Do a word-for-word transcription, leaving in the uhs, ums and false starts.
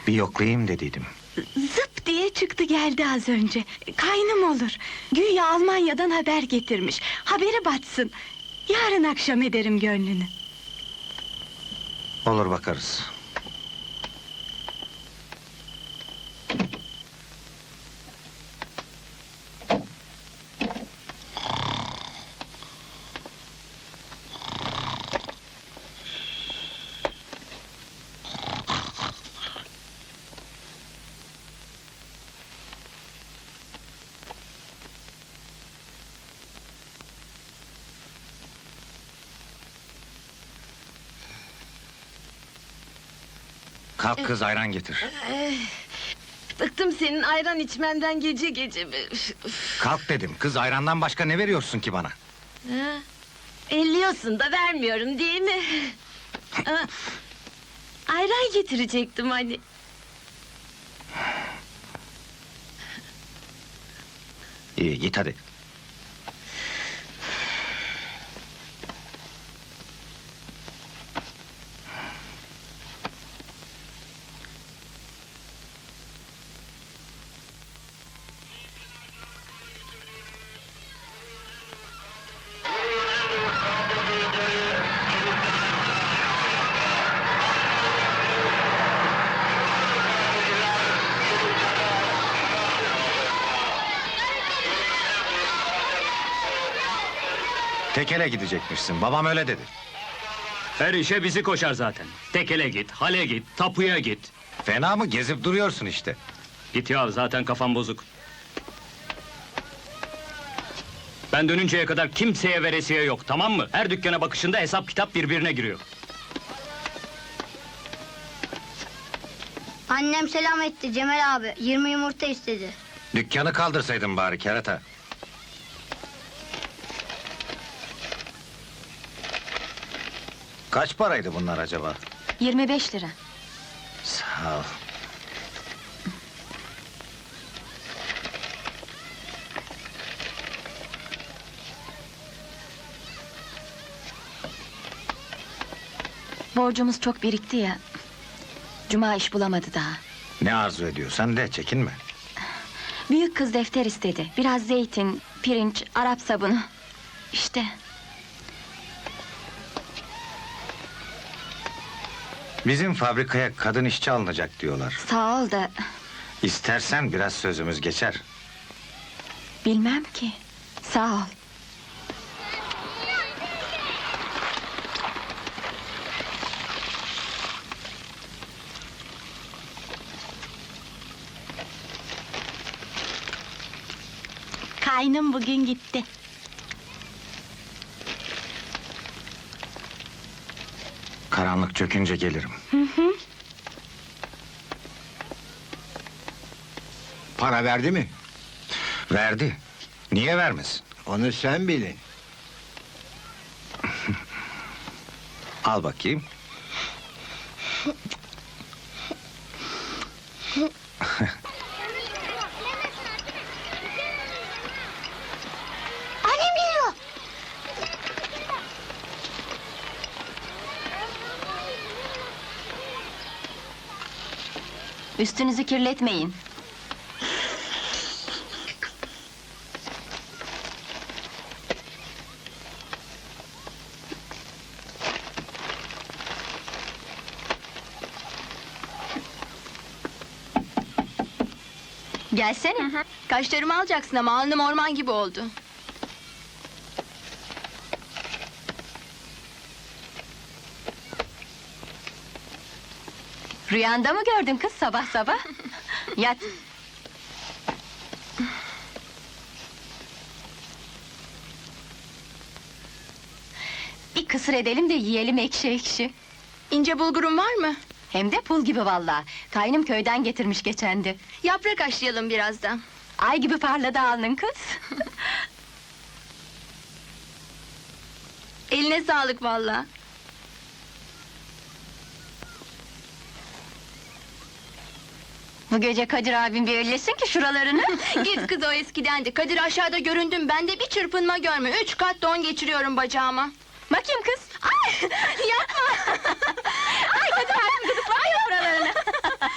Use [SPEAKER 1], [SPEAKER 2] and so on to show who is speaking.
[SPEAKER 1] Bir yoklayayım dediydim.
[SPEAKER 2] Zıp diye çıktı geldi az önce. Kaynım olur. Güya Almanya'dan haber getirmiş. Haberi batsın. Yarın akşam ederim gönlünü.
[SPEAKER 1] Olur, bakarız. Kalk kız, ayran getir.
[SPEAKER 3] Bıktım senin ayran içmenden gece gece.
[SPEAKER 1] Kalk dedim, kız ayrandan başka ne veriyorsun ki bana?
[SPEAKER 3] Ha? Elliyorsun da vermiyorum değil mi? Ha, ayran getirecektim hani.
[SPEAKER 1] İyi, git hadi. Tekele gidecekmişsin, babam öyle dedi.
[SPEAKER 4] Her işe bizi koşar zaten. Tekele git, hale git, tapuya git.
[SPEAKER 1] Fena mı, gezip duruyorsun işte.
[SPEAKER 4] Git ya, zaten kafam bozuk. Ben dönünceye kadar kimseye veresiye yok, tamam mı? Her dükkana bakışında hesap kitap birbirine giriyor.
[SPEAKER 5] Annem selam etti Cemal abi. yirmi yumurta istedi.
[SPEAKER 1] Dükkanı kaldırsaydın bari kerata. Kaç paraydı bunlar acaba?
[SPEAKER 2] Yirmi beş lira.
[SPEAKER 1] Sağ ol.
[SPEAKER 2] Borcumuz çok birikti ya. Cuma iş bulamadı daha.
[SPEAKER 1] Ne arzu ediyorsan de, çekinme.
[SPEAKER 2] Büyük kız defter istedi. Biraz zeytin, pirinç, Arap sabunu. İşte.
[SPEAKER 1] Bizim fabrikaya kadın işçi alınacak diyorlar.
[SPEAKER 2] Sağ ol da
[SPEAKER 1] İstersen biraz sözümüz geçer.
[SPEAKER 2] bilmem ki. Sağ ol. Kaynım bugün gitti.
[SPEAKER 1] Karanlık çökünce gelirim.
[SPEAKER 6] Para verdi mi?
[SPEAKER 1] Verdi. Niye vermesin?
[SPEAKER 6] Onu sen bilin.
[SPEAKER 1] Al bakayım.
[SPEAKER 5] Annem geliyor.
[SPEAKER 2] Üstünüzü kirletmeyin. Gelsene. Kaşlarımı alacaksın ama alnım orman gibi oldu. Rüyanda mı gördün kız sabah sabah? Yat. Bir kısır edelim de yiyelim ekşi ekşi.
[SPEAKER 7] İnce bulgurun var mı?
[SPEAKER 2] Hem de pul gibi vallahi. Kaynım köyden getirmiş geçendi.
[SPEAKER 7] Yaprak haşlayalım birazdan.
[SPEAKER 2] Ay gibi parladı alnın kız.
[SPEAKER 7] Eline sağlık vallahi.
[SPEAKER 2] Bu gece Kadir abim bir ellesin ki şuralarını.
[SPEAKER 7] Git kız, o eskidendi. Kadir aşağıda göründüm, ben de bir çırpınma görme. Üç kat don geçiriyorum bacağıma.
[SPEAKER 2] Bakayım kız. Ay yapma. Ay Kadir abim gıdıklar ya buralarını.